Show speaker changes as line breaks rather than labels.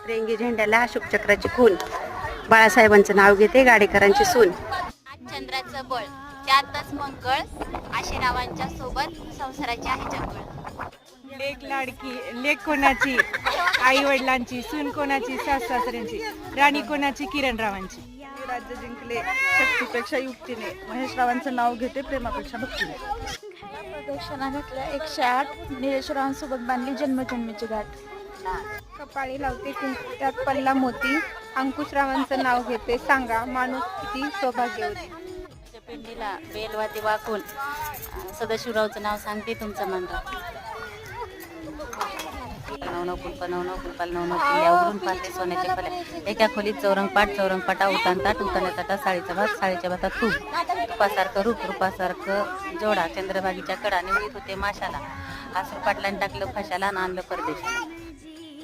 रेंगी झेंड्याला अशोक चक्राची खून, बाळासाहेबांचं नाव घेते गाडेकरांची सून.
चंद्राचं बळ त्यातच मंगळ, आशेरावांच्या सोबत संसाराची आहे जंगळ.
लेक लाडकी, लेक कोणाची आई वडिलांची, सून कोणाची सास सासऱ्यांची, राणी कोणाची किरणरावांची.
राज्य जिंकले शक्तीपेक्षा युक्तीने, महेश रावांचं नाव घेते प्रेमापेक्षा भक्तीने.
प्रदक्षिणा घातल्या 108, निलेशरावांसोबत बांधली जन्मजन्मीची गाठ.
कपाळी लावते कुंकू त्यात पडला मोती, अंकुशरावांचं नाव घेते सांगा माणूस किती सौभाग्यवती.
पिंडीला बेलवाती वाकून सदाशिवरावचं नाव सांगते तुमचं मंडळ. नवनव कुलपाल नवनव किल्ल्या उघडून पाहते सोन्याचे फल्या, एका खोलीत चौरंगपाटा उतान ताटा साडीचा भात, साडीच्या भातात तूप, तुपासारखं रूप रूपासारखं जोडा, चंद्रभागीच्या कडा निवडीत होते माशाला, आसरू पाटलांनी टाकलं फशाला आणि आणलं परदेशाला.